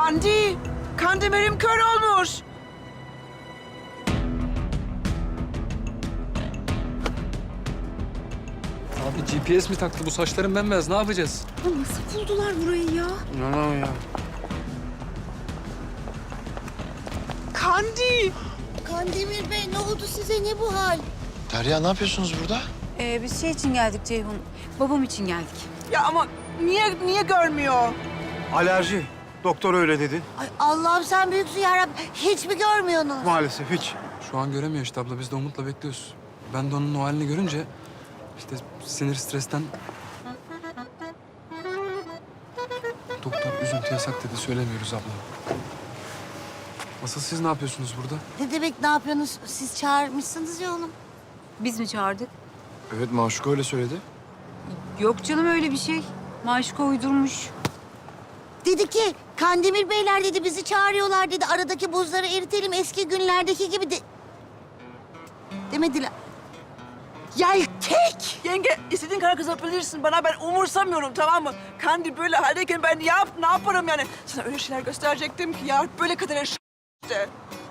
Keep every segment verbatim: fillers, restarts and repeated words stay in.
Kandi, Kandemir'im kör olmuş. Abi G P S mi taktı? Bu saçların bembeyaz. Ne yapacağız? Ya nasıl buldular burayı ya? İnanamıyorum ya. Kandi. Kandemir Bey ne oldu size, ne bu hal? Derya ne yapıyorsunuz burada? Ee, biz şey için geldik Ceyhun. Babam için geldik. Ya ama niye niye görmüyor? Alerji. Doktor öyle dedi. Ay Allah'ım sen büyüksün yarabbim. Hiç mi görmüyorsunuz? Maalesef hiç. Şu an göremiyor işte abla. Biz de umutla bekliyoruz. Ben de onun o halini görünce işte sinir stresten... Doktor üzüntü yasak dedi. Söylemiyoruz abla. Asıl siz ne yapıyorsunuz burada? Ne demek ne yapıyorsunuz? Siz çağırmışsınız ya oğlum. Biz mi çağırdık? Evet Maşuka öyle söyledi. Yok canım öyle bir şey. Maşuka uydurmuş. Dedi ki Kandemir Beyler dedi bizi çağırıyorlar dedi. Aradaki buzları eritelim eski günlerdeki gibi de... Demediler. Yeltek! Yenge, istediğin kadar kızabilirsin bana. Ben umursamıyorum, tamam mı? Kandi böyle haldeyken ben ne, yap, ne yaparım yani? Sana öyle şeyler gösterecektim ki ya. Böyle kadar işte.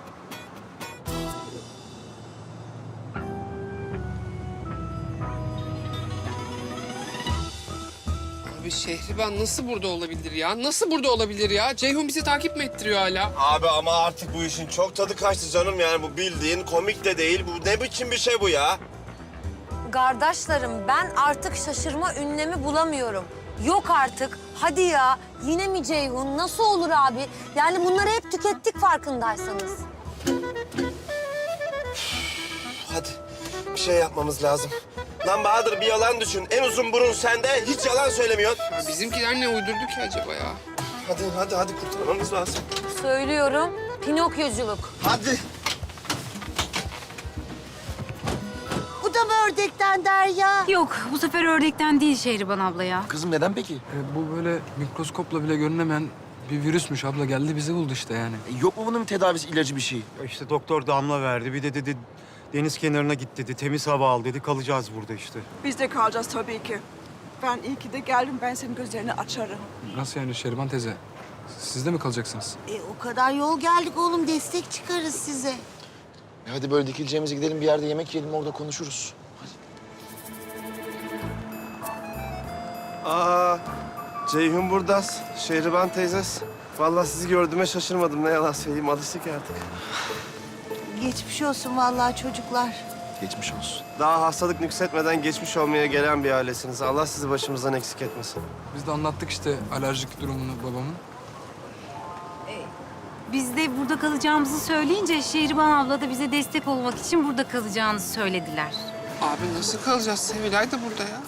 Abi Şehriban nasıl burada olabilir ya? Nasıl burada olabilir ya? Ceyhun bizi takip mi ettiriyor hala? Abi ama artık bu işin çok tadı kaçtı canım, yani bu bildiğin komik de değil. Bu ne biçim bir şey bu ya? Kardeşlerim ben artık şaşırma ünlemi bulamıyorum. Yok artık. Hadi ya. Yine mi Ceyhun? Nasıl olur abi? Yani bunları hep tükettik farkındaysanız. Hadi bir şey yapmamız lazım. Lan Bahadır, bir yalan düşün. En uzun burun sende, hiç yalan söylemiyorsun. Ya bizimkiler ne uydurdu ki acaba ya? Hadi hadi hadi kurtarmamız lazım. Söylüyorum. Pinokyoculuk. Hadi. Bu da mı ördekten Derya? Yok bu sefer ördekten değil Şehriban abla ya. Kızım neden peki? E, bu böyle mikroskopla bile görünemeyen bir virüsmüş abla. Geldi bizi buldu işte yani. E, yok mu bunun bir tedavisi, ilacı bir şey? Ya İşte doktor damla verdi. Bir de dedi deniz kenarına git dedi. Temiz hava al dedi. Kalacağız burada işte. Biz de kalacağız tabii ki. Ben iyi ki de geldim. Ben senin gözlerini açarım. Nasıl yani Şeriban teyze? Siz de mi kalacaksınız? E, o kadar yol geldik oğlum, destek çıkarız size. E, hadi böyle dikileceğimize gidelim bir yerde yemek yiyelim, orada konuşuruz. Aa, Ceyhun burdas, Şehriban teyzes. Vallahi sizi gördüğüme şaşırmadım, ne yalan söyleyeyim. Alıştık artık. Geçmiş olsun vallahi çocuklar. Geçmiş olsun. Daha hastalık nüksetmeden geçmiş olmaya gelen bir ailesiniz. Allah sizi başımızdan eksik etmesin. Biz de anlattık işte alerjik durumunu babamın. Biz de burada kalacağımızı söyleyince Şehriban abla da bize destek olmak için burada kalacağını söylediler. Abi nasıl kalacağız? Sevilay da burada ya.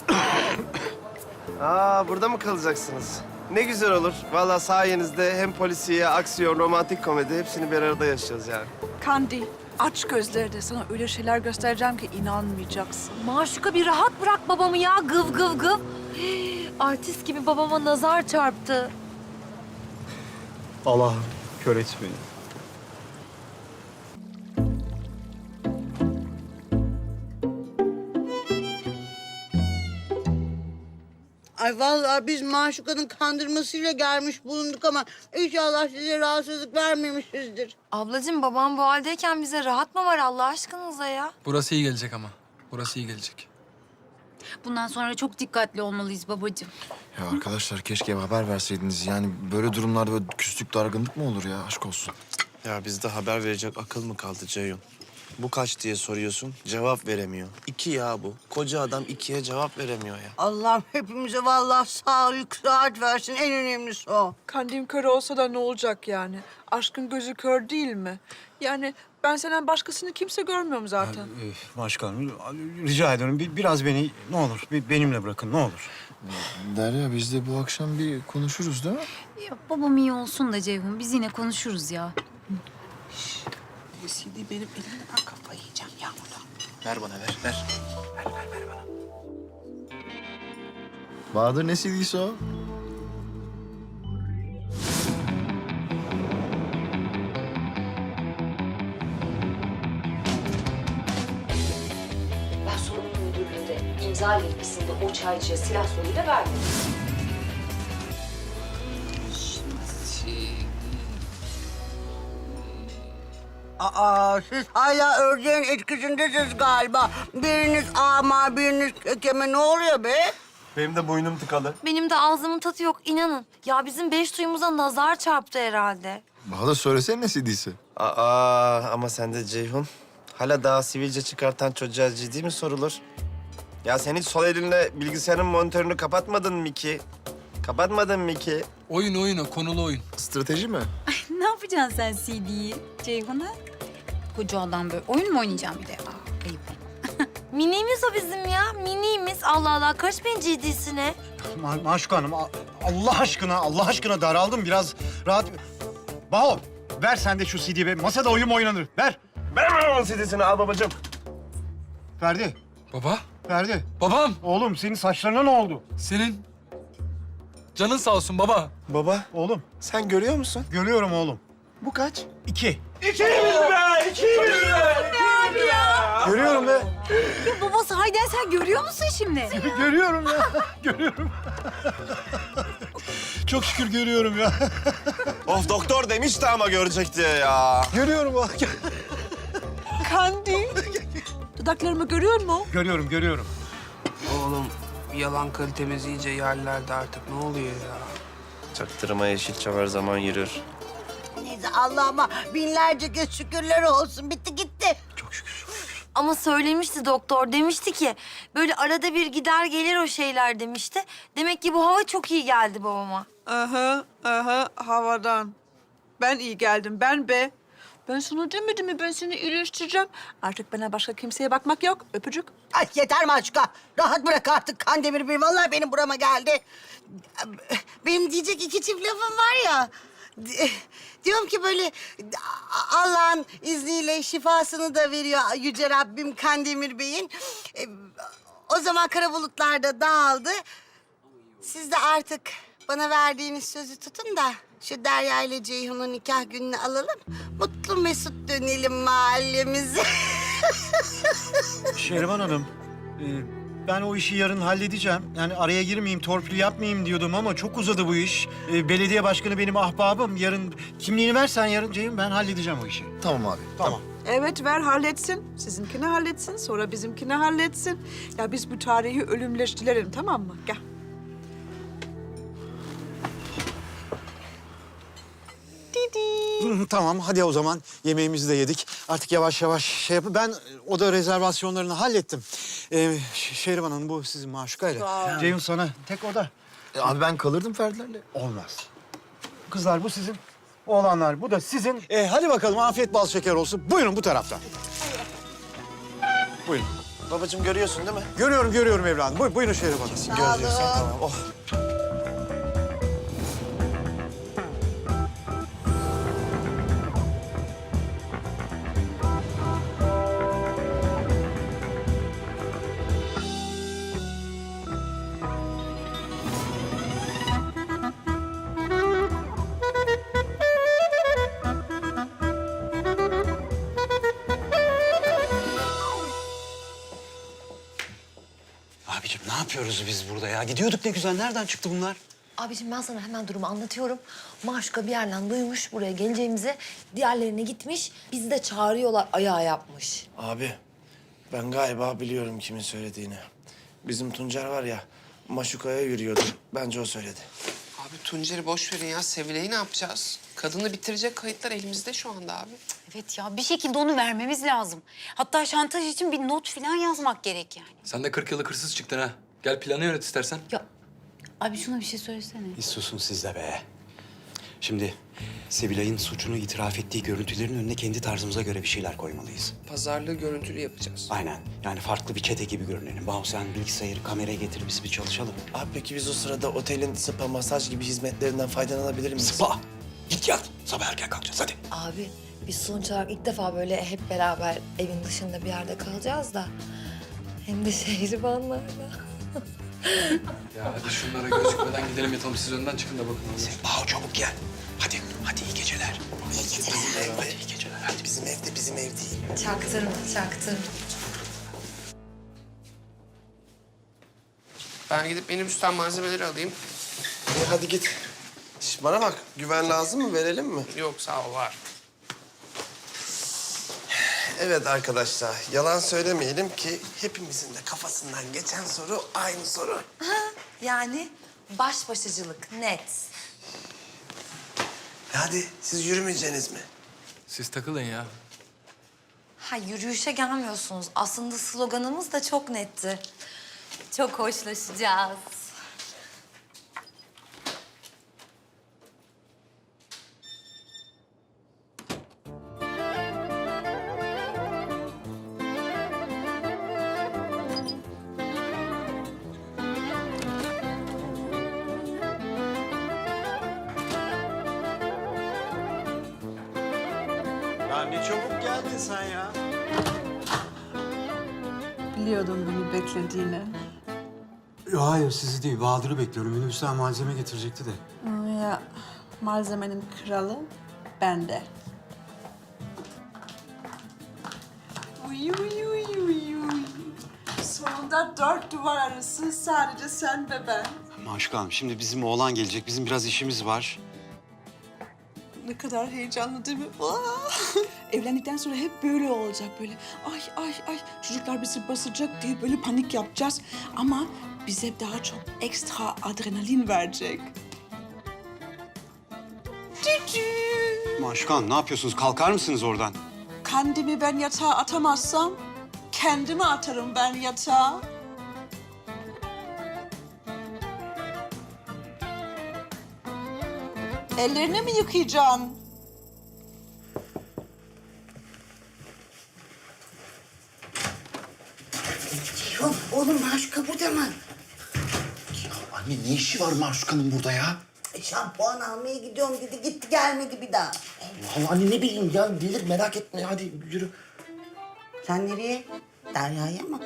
Aa, burada mı kalacaksınız? Ne güzel olur. Vallahi sayenizde hem polisiye, aksiyon, romantik komedi hepsini bir arada yaşayacağız yani. Kandi, aç gözlerini. Sana öyle şeyler göstereceğim ki inanmayacaksın. Maşuka bir rahat bırak babamı ya. Gıv gıv gıv. Hii, artist gibi babama nazar çarptı. Allah'ım kör et beni. Ay vallahi biz Maşuka'nın kandırmasıyla gelmiş bulunduk ama inşallah size rahatsızlık vermemişizdir. Ablacığım babam bu haldeyken bize rahat mı var Allah aşkınıza ya? Burası iyi gelecek ama. Burası iyi gelecek. Bundan sonra çok dikkatli olmalıyız babacığım. Ya arkadaşlar keşke haber verseydiniz. Yani böyle durumlarda böyle küslük, dargınlık mı olur ya? Aşk olsun. Ya bizde haber verecek akıl mı kaldı Ceyhun? Bu kaç diye soruyorsun, cevap veremiyor. İki ya bu. Koca adam ikiye cevap veremiyor ya. Allah'ım hepimize vallahi sağlık, sıhhat versin. En önemlisi o. Kandim kör olsa da ne olacak yani? Aşkın gözü kör değil mi? Yani ben senden başkasını kimse görmüyorum zaten. Başkanım rica ediyorum bir, biraz beni ne olur bir benimle bırakın ne olur. Derya biz de bu akşam bir konuşuruz değil mi? Ya, babam iyi olsun da Ceyhun biz yine konuşuruz ya. C D benim elimde, ben kafayı yiyeceğim ya burada. Ver bana ver, ver. Ver, ver, ver bana. Bahadır ne C D'si o? Ben sorumlu müdürlüğünde imza yetkisinde o çaycıya silah soluyla vermedim. Şey, Aa, siz hala ördeğin etkisindesiniz galiba. Biriniz ama, biriniz kekeme. Ne oluyor be? Benim de boynum tıkalı. Benim de ağzımın tadı yok inanın. Ya bizim beş suyumuza nazar çarptı herhalde. Bana da söylesene ne C D'si? Aa ama sen de Ceyhun. Hala daha sivilce çıkartan çocuğa ciddi mi sorulur? Ya sen hiç sol elinle bilgisayarın monitörünü kapatmadın mı ki? Kapatmadın mı ki? Oyun oyun o, konulu oyun. Strateji mi? Ne yapacaksın sen C D'yi Ceyhun'a? Koca adam böyle oyun mu oynayacaksın bir de? Aa, ayıp. Minimiz o bizim ya. Minimiz. Allah Allah. Karışmayın ciddisine. Ma Maşuka Hanım, a- Allah aşkına, Allah aşkına daraldım. Biraz rahat... Baho, ver sen de şu C D'yi be. Masada oyun mu oynanır? Ver. Ver onun C D'sini al babacığım. Ferdi, Baba, Ferdi. babam. Oğlum senin saçlarına ne oldu? Senin canın sağ olsun baba. Baba Oğlum, sen görüyor musun? görüyorum oğlum. Bu kaç? İki. Görüyorum be. Ya babası Hayden sen görüyor musun şimdi? Görüyorum ya, görüyorum. Çok şükür görüyorum ya. Of doktor demişti ama görecek diye ya. Görüyorum bak. Kandi. Dudaklarımı görüyor musun? Görüyorum, görüyorum. Oğlum yalan kalitemiz iyice yerlerde artık. Ne oluyor ya? Çaktırma Yeşilçam her zaman yürür. Neyse Allah'ıma binlerce kez şükürler olsun. Bitti gitti. Ama söylemişti doktor. Demişti ki böyle arada bir gider gelir o şeyler demişti. Demek ki bu hava çok iyi geldi babama. Aha, aha, havadan. Ben iyi geldim, ben be. Ben sana demedim mi ben seni iyileştireceğim. Artık bana başka kimseye bakmak yok. Öpücük. Ay yeter Maşuka. Rahat bırak artık Kandemir Bey. Vallahi benim burama geldi. Benim diyecek iki çift lafım var ya. Di- Diyorum ki böyle Allah'ın izniyle şifasını da veriyor Yüce Rabbim Kandemir Bey'in. E, O zaman kara bulutlar da dağıldı. Siz de artık bana verdiğiniz sözü tutun da şu Derya ile Ceyhun'un nikah gününü alalım. Mutlu mesut dönelim mahallemize. Şehriban Hanım, e, ben o işi yarın halledeceğim. Yani araya girmeyeyim, torpil yapmayayım diyordum ama çok uzadı bu iş. E, belediye başkanı benim ahbabım. Yarın kimliğini versen yarın Ceyhun, ben halledeceğim o işi. Tamam abi. Tamam. Evet ver halletsin. Sizinkini halletsin, sonra bizimkini halletsin. Ya biz bu tarihi ölümleştirelim tamam mı? Gel. Hı, tamam, hadi o zaman yemeğimizi de yedik. Artık yavaş yavaş şey yapıp ben oda rezervasyonlarını hallettim. Ee, Ş- Şehriban Hanım bu sizin Maşuka'yla. Ceyhun sana tek oda. E, abi ben kalırdım Ferdilerle. Olmaz. Kızlar bu sizin. Oğlanlar bu da sizin. Ee, hadi bakalım afiyet bal şeker olsun. Buyurun bu taraftan. Buyurun. Babacığım görüyorsun değil mi? Görüyorum görüyorum evladım. Buyurun, buyurun Şehriban Hanım. Görüyorsun tamam. Oh. Abicim ne yapıyoruz biz burada ya? Gidiyorduk ne güzel. Nereden çıktı bunlar? Abiciğim ben sana hemen durumu anlatıyorum. Maşuka bir yerden duymuş buraya geleceğimizi. Diğerlerine gitmiş. Bizi de çağırıyorlar ayağa yapmış. Abi ben galiba biliyorum kimin söylediğini. Bizim Tuncer var ya Maşuka'ya yürüyordu. Bence o söyledi. Abi Tuncer'i boş verin ya. Sevile'yi ne yapacağız? Kadını bitirecek kayıtlar elimizde şu anda abi. Evet ya bir şekilde onu vermemiz lazım. Hatta şantaj için bir not falan yazmak gerek yani. Sen de kırk yıllık hırsız çıktın ha. Gel planı yönet istersen. Ya abi şuna bir şey söylesene. Bir susun siz de be. Şimdi Sevilay'ın suçunu itiraf ettiği görüntülerin önüne kendi tarzımıza göre bir şeyler koymalıyız. Pazarlığı görüntülü yapacağız. Aynen. Yani farklı bir çete gibi görünelim. Bahu sen bilgisayarı, kameraya getir biz bir çalışalım. Abi peki biz o sırada otelin spa, masaj gibi hizmetlerinden faydalanabilir miyiz? Spa! Git yat. Sabah erken kalkacağız hadi. Abi biz sonuç olarak ilk defa böyle hep beraber evin dışında bir yerde kalacağız da. Hem de şehribanlarla. Ya hadi şunlara gözükmeden gidelim yatalım. Siz önden çıkın da bakın. Bahu çabuk gel. Hadi, hadi iyi geceler. İyi geceler. Hadi iyi geceler. Hadi Bizim evde bizim ev değil. Çaktırma, çaktırma. Ben gidip minibüsten malzemeleri alayım. İyi hadi git. Şş, bana bak güven lazım mı verelim mi? Yok sağ ol var. Evet arkadaşlar, yalan söylemeyelim ki hepimizin de kafasından geçen soru aynı soru. Yani baş başacılık net. Hadi siz yürümeyeceksiniz mi? Siz takılın ya. Ha yürüyüşe gelmiyorsunuz. Aslında sloganımız da çok netti. Çok hoşlaşacağız. Ya ne çabuk geldin sen ya. Biliyordum bunu beklediğini. Hayır sizi değil, Bahadır'ı bekliyorum. Minibüsten malzeme getirecekti de. Ya malzemenin kralı bende. Uy uy uy uy uy. Sonunda dört duvar arası sadece sen ve ben. Maşuka Hanım, şimdi bizim oğlan gelecek. Bizim biraz işimiz var. Ne kadar heyecanlı değil mi? Aa! Evlendikten sonra hep böyle olacak böyle. Ay ay ay çocuklar bizi basacak diye böyle panik yapacağız. Ama bize daha çok ekstra adrenalin verecek. Cücü. Maşuka Hanım, ne yapıyorsunuz? Kalkar mısınız oradan? Kendimi ben yatağa atamazsam kendimi atarım ben yatağa. Ellerini mi yıkayacaksın? Ceyhun, oğlum Maşuka burada mı? Anne ne işi var Maşuka'nın burada ya? E, şampuan almaya gidiyorum dedi, gitti gelmedi bir daha. Allah anne ne bileyim ya gelir merak etme hadi yürü. Sen nereye? Derya'ya mı?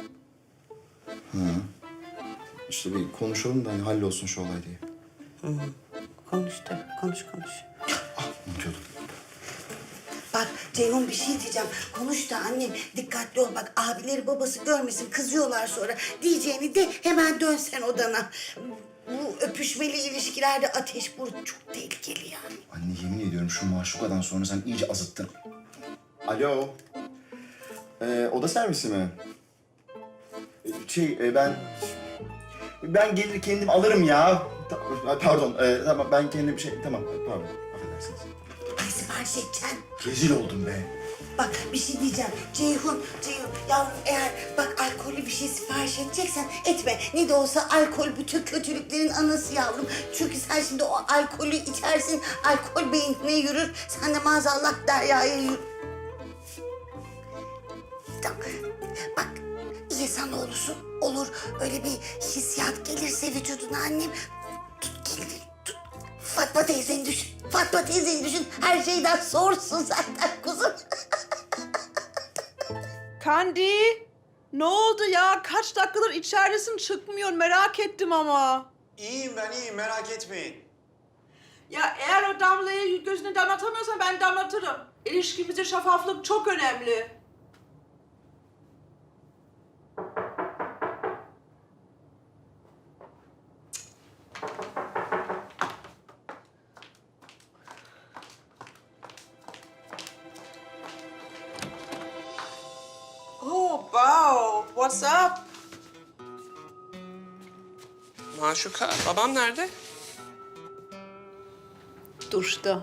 İşte bir konuşalım da hani hallolsun şu olay diye. Konuş tabii, konuş konuş. Unutuyordum. Bak Ceyhun bir şey diyeceğim. Konuş da annem dikkatli ol. Bak abileri babası görmesin kızıyorlar sonra. Diyeceğini de hemen dön sen odana. Bu öpüşmeli ilişkilerde ateş burun çok tehlikeli yani. Anne yemin ediyorum şu maşukadan sonra sen iyice azıttın. Alo. Ee, oda servisi mi? Ee, Şey e, ben... Ben gelir kendim alırım ya. Ta- Pardon, e, tamam ben kendim bir şey... Tamam, pardon. Affedersiniz. Ne sipariş edeceksin? Rezil oldum be. Bak bir şey diyeceğim. Ceyhun, Ceyhun yavrum eğer bak alkollü bir şey sipariş edeceksen etme. Ne de olsa alkol bütün kötülüklerin anası yavrum. Çünkü sen şimdi o alkolü içersin, alkol beynine yürür. Sen de maazallah Derya'ya yürür. Tamam. Bak insan olursun, olur. Öyle bir hissiyat gelirse vücuduna annem. Tut kendini, tut. Fatma teyzeni düşün. Fatma teyzeni düşün. Her şeyden sorsun zaten kuzum. Kandi, ne oldu ya? Kaç dakikadır içeridesin çıkmıyor merak ettim ama. İyiyim ben iyiyim merak etmeyin. Ya eğer o damlayı gözüne damlatamıyorsan ben damlatırım. İlişkimizde şeffaflık çok önemli. Oh, wow. What's up? Maşuka, babam nerede? Duşta.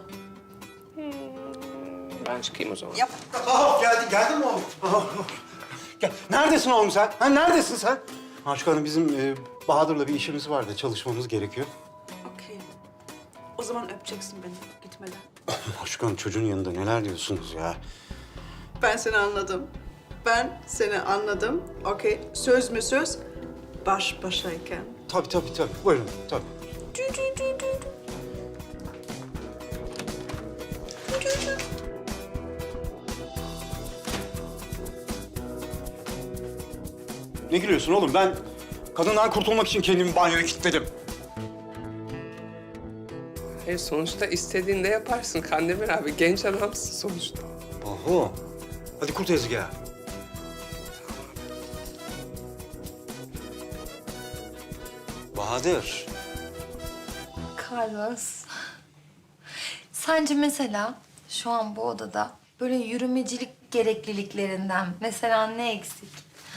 Ben çıkayım o zaman. Yap. Oh, geldin, geldin mi oğlum? Oh, oh. Gel. Neredesin oğlum sen? Ha, neredesin sen? Maşuka Hanım, bizim e, Bahadır'la bir işimiz var da çalışmamız gerekiyor. Okey. O zaman öpeceksin beni gitmeden. Maşuka Hanım, çocuğun yanında neler diyorsunuz ya? Ben seni anladım. Ben seni anladım. Okey. Söz mü söz? Baş başayken. Tabii tabii tabii. Buyurun tabii. Ne gülüyorsun oğlum? Ben kadından kurtulmak için kendimi banyoya kilitledim. Hayır, sonuçta istediğinde yaparsın Kandemir abi. Genç adamsın sonuçta. Oho. Hadi kur tezgahı. Bahadır. Carlos. Sence mesela şu an bu odada Böyle yürümecilik gerekliliklerinden. Mesela ne eksik?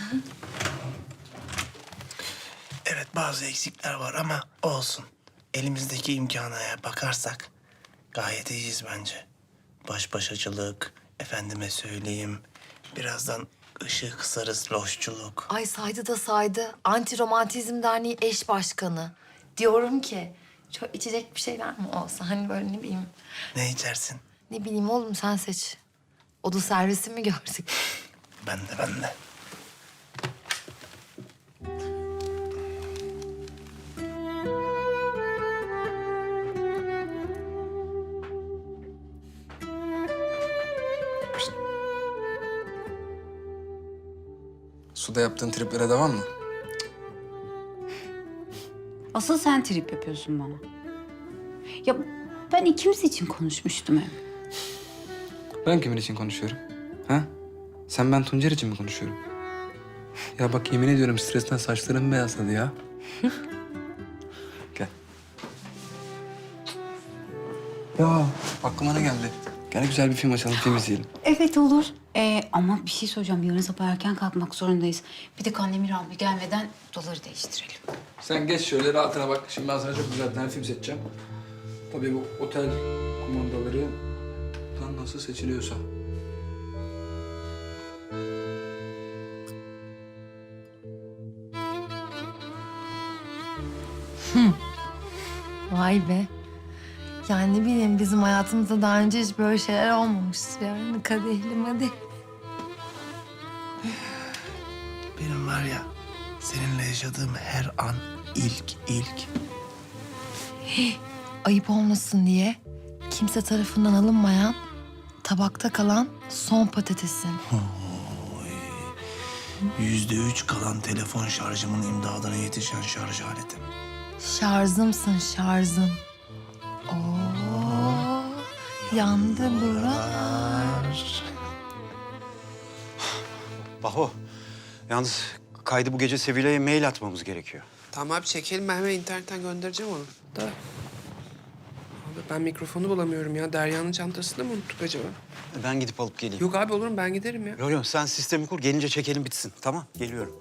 Evet bazı eksikler var ama olsun. Elimizdeki imkana bakarsak gayet iyiyiz bence. Baş başacılık, efendime söyleyeyim. Birazdan ışığı kısarız, loşçuluk. Ay saydı da saydı. Anti Romantizm Derneği eş başkanı. Diyorum ki çok içecek bir şeyler mi olsa hani böyle ne bileyim. Ne içersin? Ne bileyim oğlum sen seç. Oda servisi mi gördük? Ben de ben de. Suda yaptığın triplere devam mı? Asıl sen trip yapıyorsun bana. Ya ben ikimiz için konuşmuştum hep. Ben kimin için konuşuyorum? Ha? Sen ben Tuncer için mi konuşuyorum? Ya bak yemin ediyorum stresten saçlarım beyazladı ya. Gel. Ya aklıma ne geldi? Gel güzel bir film açalım, film izleyelim. Evet olur. Ee, ama bir şey soracağım. Yarın sabah erken kalkmak zorundayız. Bir de Kandemir abi gelmeden odaları değiştirelim. Sen geç şöyle rahatına bak. Şimdi ben sana çok güzel bir tane film seçeceğim. Tabii bu otel kumandaları tam nasıl seçiliyorsa. Vay be. Yani ne bileyim bizim hayatımızda daha önce hiç böyle şeyler olmamıştır yani. Kadehli madeh. Benim var ya seninle yaşadığım her an ilk ilk. Ayıp olmasın diye kimse tarafından alınmayan, tabakta kalan son patatesin. Yüzde üç kalan telefon şarjımın imdadına yetişen şarj aletim. Şarjımsın şarjım. Oo, yandı buralar. Baho, yalnız kaydı bu gece Sevilla'ya mail atmamız gerekiyor. Tamam abi çekelim, ben hemen internetten göndereceğim onu. Da. Abi ben mikrofonu bulamıyorum ya. Derya'nın çantasında mı unuttuk acaba? Ben gidip alıp geleyim. Yok abi olur mu? Ben giderim ya. Yok yok, sen sistemi kur, gelince çekelim bitsin. Tamam, geliyorum.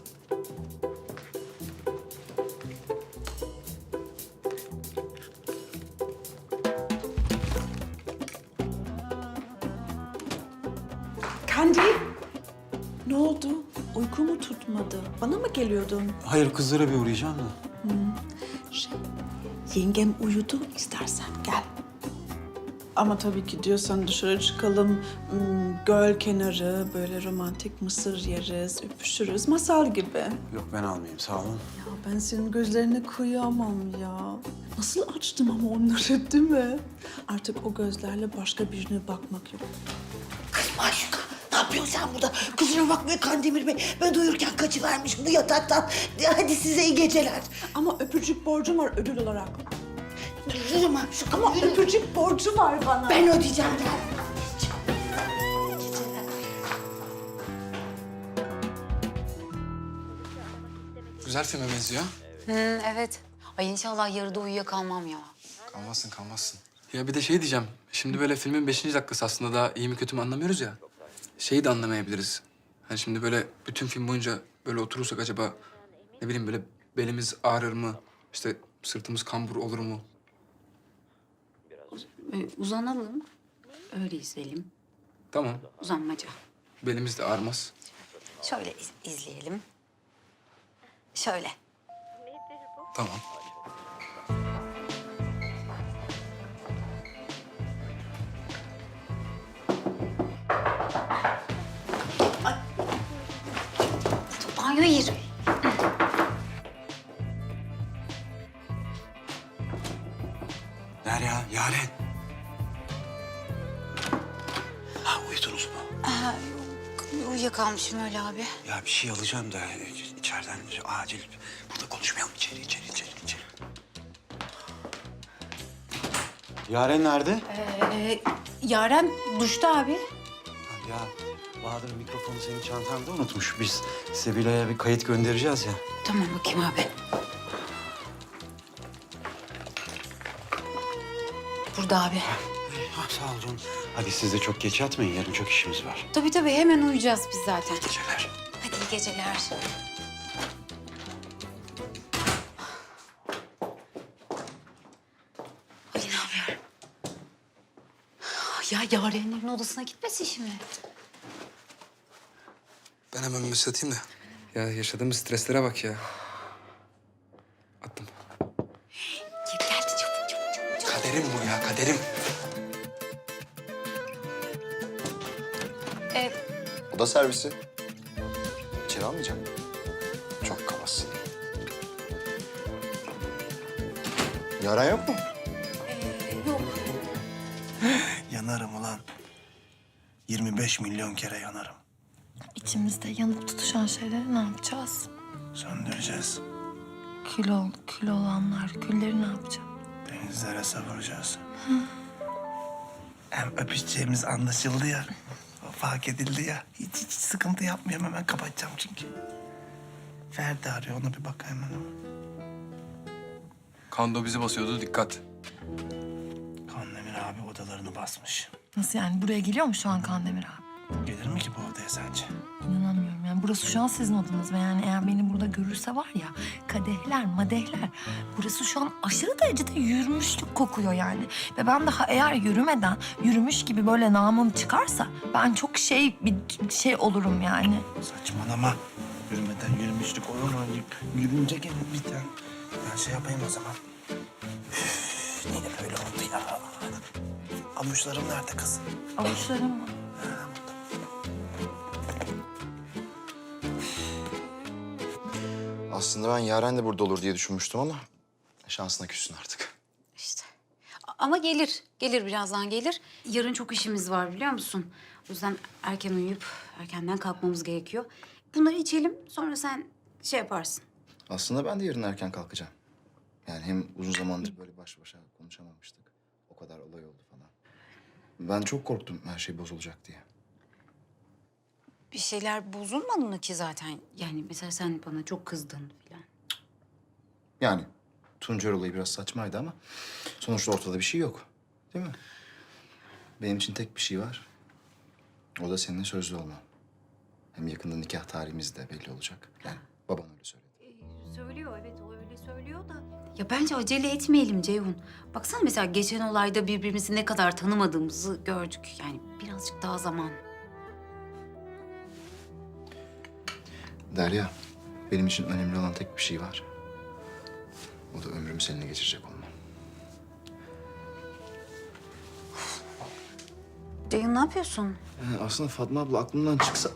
Kandi, ne oldu? Uyku mu tutmadı? Bana mı geliyordun? Hayır, kızlara bir uğrayacağım da. Şey, yengem uyudu, istersen gel. Ama tabii ki diyorsan dışarı çıkalım, hmm, göl kenarı, böyle romantik mısır yeriz, öpüşürüz, masal gibi. Yok, ben almayayım, sağ olun. Ya ben senin gözlerine kıyamam ya. Nasıl açtım ama onları değil mi? Artık o gözlerle başka birine bakmak yok. Kız Maşuka, ne yapıyorsun sen burada? Kusura bakmayın Kandemir Bey. Ben uyurken kaçıvermiş bu yataktan. Hadi size iyi geceler. Ama öpücük borcum var ödül olarak. Yürü Maşuka, Ama yürü. öpücük borcu var bana. Ben ödeyeceğim gel. Güzel filme benziyor. Hı, evet. Ay inşallah yarıda uyuyakalmam ya. Kalmazsın, kalmazsın. Ya bir de şey diyeceğim. Şimdi böyle filmin beşinci dakikası aslında daha iyi mi kötü mü anlamıyoruz ya. Şeyi de anlamayabiliriz. Hani şimdi böyle bütün film boyunca böyle oturursak acaba ne bileyim böyle belimiz ağrır mı? İşte sırtımız kambur olur mu? Ee, uzanalım. Öyle izleyelim. Tamam. Uzanmaca. Belimiz de ağrımaz. Şöyle iz- izleyelim. Şöyle. Tamam. Banyo yeri. Derya, Yaren. Ha, uyudunuz mu? Aa, yok. Uyuyakalmışım öyle abi. Ya bir şey alacağım da içeriden acil. Burada konuşmayalım, içeri, içeri, içeri, içeri. Yaren nerede? Ee, Yaren duşta abi. Ya Bahadır mikrofonu senin çantanda unutmuş. Biz Sevilla'ya bir kayıt göndereceğiz ya. Tamam bakayım abi. Burada abi. Ah, sağ ol canım. Hadi siz de çok geç yatmayın. Yarın çok işimiz var. Tabii tabii hemen uyuyacağız biz zaten. Geceler. Hadi iyi geceler. Ali ne yapıyor? Ya Yarenlerin odasına gitmesin şimdi. Ben hemen mesaj atayım da. Ya yaşadığımız streslere bak ya. Attım. Gel geldi çabuk çabuk çabuk. çabuk. Kaderim bu ya, kaderim. Ee, Oda servisi. İçeri almayacak mı? Çok kabasın. Yaren yok mu? e, yok. Yanarım ulan. yirmi beş milyon kere yanarım. İçimizde yanıp tutuşan şeyleri ne yapacağız? Söndüreceğiz. Kül, ol, kül olanlar, külleri ne yapacağız? Denizlere savuracağız. Hem öpüşeceğimiz anlaşıldı ya. O fark edildi ya. Hiç, hiç sıkıntı yapmıyorum. Hemen kapatacağım çünkü. Ferdi arıyor. Ona bir bak hemen. Kando bizi basıyordu, dikkat. Kandemir abi odalarını basmış. Nasıl yani? Buraya geliyor mu şu an Kandemir abi? Gelir mi ki bu odaya sence? İnanamıyorum yani. Burası şu an sizin odanız ve yani eğer beni burada görürse var ya kadehler, madehler. Burası şu an aşırı derecede yürümüşlük kokuyor yani. Ve ben daha eğer yürümeden yürümüş gibi böyle namım çıkarsa ben çok şey bir şey olurum yani. Saçmalama. Yürümeden yürümüşlük olur mu? Yürünce gelir bir tane. Ben şey yapayım o zaman. Üf, niye böyle oldu ya? Avuçlarım nerede kız? Avuçlarım mı? Aslında ben Yaren de burada olur diye düşünmüştüm ama şansına küssün artık. İşte. A- Ama gelir. Gelir birazdan gelir. Yarın çok işimiz var biliyor musun? O yüzden erken uyuyup erkenden kalkmamız gerekiyor. Bunları içelim sonra sen şey yaparsın. Aslında ben de yarın erken kalkacağım. Yani hem uzun zamandır böyle baş başa konuşamamıştık. O kadar olay oldu falan. Ben çok korktum her şey bozulacak diye. Bir şeyler bozulmadı mı ki zaten? Yani mesela sen bana çok kızdın falan. Yani Tuncer olayı biraz saçmaydı ama sonuçta ortada bir şey yok. Değil mi? Benim için tek bir şey var. O da seninle sözlü olmam. Hem yakında nikah tarihimiz de belli olacak. Yani baban öyle söyledi. Ee, söylüyor evet o öyle söylüyor da. Ya bence acele etmeyelim Ceyhun. Baksana mesela geçen olayda birbirimizi ne kadar tanımadığımızı gördük. Yani birazcık daha zaman. Derya, benim için önemli olan tek bir şey var. O da ömrümü seninle geçirecek olmam. Ceyhun ne yapıyorsun? Yani aslında Fatma abla aklımdan çıksa...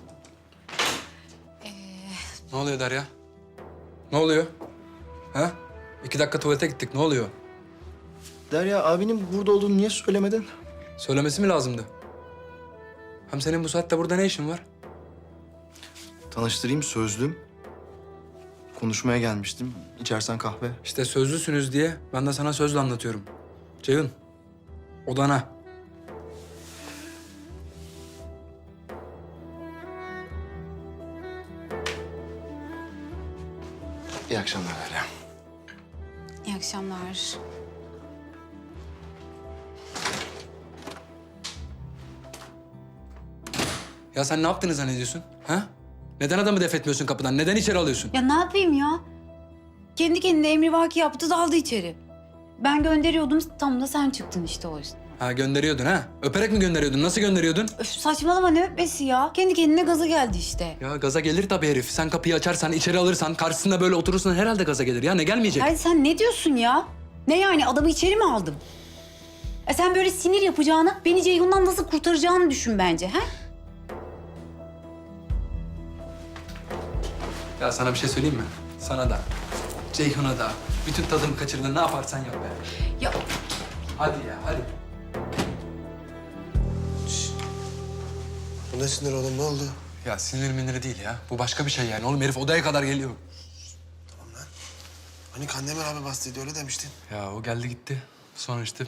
Ne oluyor Derya? Ne oluyor? Ha? İki dakika tuvalete gittik, ne oluyor? Derya, abinin burada olduğunu niye söylemedin? Söylemesi mi lazımdı? Hem senin bu saatte burada ne işin var? Tanıştırayım, sözlüm. Konuşmaya gelmiştim. İçersen kahve. İşte sözlüsünüz diye ben de sana sözlü anlatıyorum. Ceyhun, odana. İyi akşamlar Derya. İyi akşamlar. Ya sen ne yaptığını zannediyorsun? Ha? Neden adamı def etmiyorsun kapıdan? Neden içeri alıyorsun? Ya ne yapayım ya? Kendi kendine emrivaki yaptı daldı içeri. Ben gönderiyordum tam da sen çıktın işte o yüzden. Ha gönderiyordun ha? Öperek mi gönderiyordun? Nasıl gönderiyordun? Öf, saçmalama ne öpmesi ya? Kendi kendine gaza geldi işte. Ya gaza gelir tabii herif. Sen kapıyı açarsan, içeri alırsan, karşısında böyle oturursan herhalde gaza gelir. Ya ne gelmeyecek? Hayır sen ne diyorsun ya? Ne yani adamı içeri mi aldım? E sen böyle sinir yapacağını, beni Ceyhun'dan nasıl kurtaracağını düşün bence ha? Ya sana bir şey söyleyeyim mi? Sana da, Ceyhun'a da. Bütün tadımı kaçırdın. Ne yaparsan yap be. Ya Hadi ya, hadi. Bu ne sinir oğlum? Ne oldu? Ya sinir miniri değil ya. Bu başka bir şey yani. Oğlum herif odaya kadar geliyor. Tamam lan. Hani Kandemir abi bastıydı öyle demiştin. Ya o geldi gitti. Sonra işte...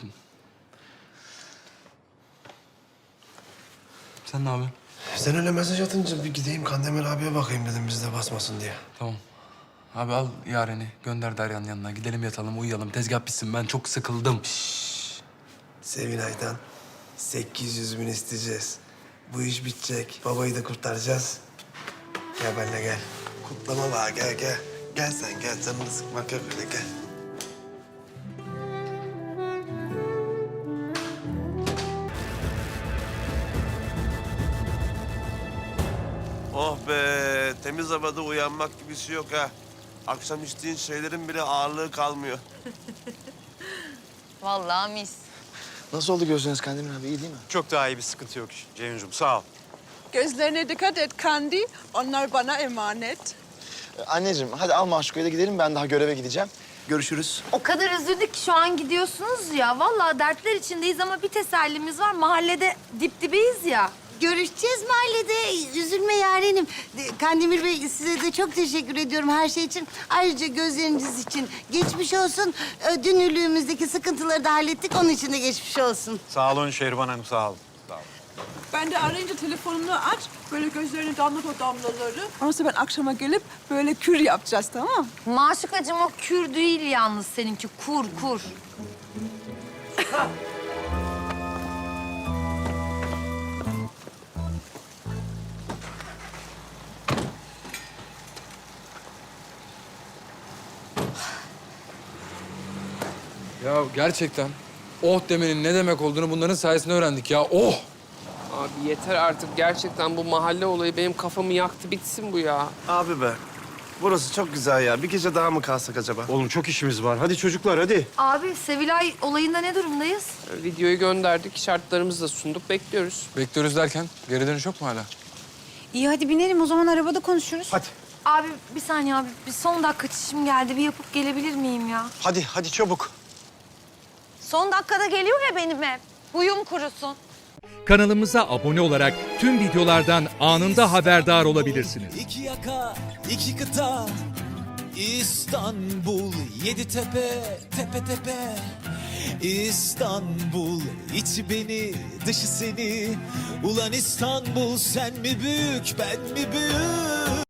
Sen ne yapıyorsun? Sen öyle mesaj atınca bir gideyim Kandemir abiye bakayım dedim bizde basmasın diye. Tamam. Abi al Yaren'i. Gönder Derya'nın yanına. Gidelim yatalım, uyuyalım. Tezgah bitsin. Ben çok sıkıldım. Sevinay'dan sekiz yüz bin isteyeceğiz. Bu iş bitecek. Babayı da kurtaracağız. Gel benimle gel. Kutlama var, gel gel. Gel sen gel, canını sıkmak yok öyle, gel. Oh be, temiz havada uyanmak gibisi yok ha. Akşam içtiğin şeylerin bile ağırlığı kalmıyor. Vallahi mis. Nasıl oldu gözleriniz Kandemir abi, iyi değil mi? Çok daha iyi, bir sıkıntı yok Ceyhuncuğum, sağ ol. Gözlerine dikkat et Kandi. Onlar bana emanet. Anneciğim, hadi al Maşuka'yı da gidelim. Ben daha göreve gideceğim. Görüşürüz. O kadar üzüldük ki şu an gidiyorsunuz ya. Vallahi dertler içindeyiz ama bir tesellimiz var. Mahallede dip dibeyiz ya. Görüşeceğiz mahallede. Üzülme yarenim. Kandemir Bey size de çok teşekkür ediyorum her şey için. Ayrıca gözleriniz için geçmiş olsun. Ö, Dünürlüğümüzdeki sıkıntıları da hallettik. Onun için de geçmiş olsun. Sağ olun Şehriban Hanım, sağ olun. Sağ olun. Ben de arayınca telefonunu aç. Böyle gözlerine damlat o damlaları. Ondan sonra ben akşama gelip böyle kür yapacağız, tamam mı? Maşukacığım o kür değil yalnız seninki. Kur, kur. Ya gerçekten oh demenin ne demek olduğunu bunların sayesinde öğrendik ya. Oh! Abi yeter artık. Gerçekten bu mahalle olayı benim kafamı yaktı. Bitsin bu ya. Abi be, burası çok güzel ya. Bir gece daha mı kalsak acaba? Oğlum çok işimiz var. Hadi çocuklar, hadi. Abi Sevilay olayında ne durumdayız? Videoyu gönderdik. Şartlarımızı da sunduk. Bekliyoruz. Bekliyoruz derken geri dönüş yok mu hala? İyi hadi binelim o zaman arabada konuşuruz. Hadi. Abi bir saniye abi. Bir son dakika çişim geldi. Bir yapıp gelebilir miyim ya? Hadi, hadi çabuk. Son dakikada geliyor ya benim hep. Huyum kurusun. Kanalımıza abone olarak tüm videolardan anında haberdar olabilirsiniz. İki yaka, iki kıta, İstanbul, yedi tepe, tepe tepe. İstanbul, içi beni, dışı seni. Ulan İstanbul, sen mi büyük, ben mi büyük?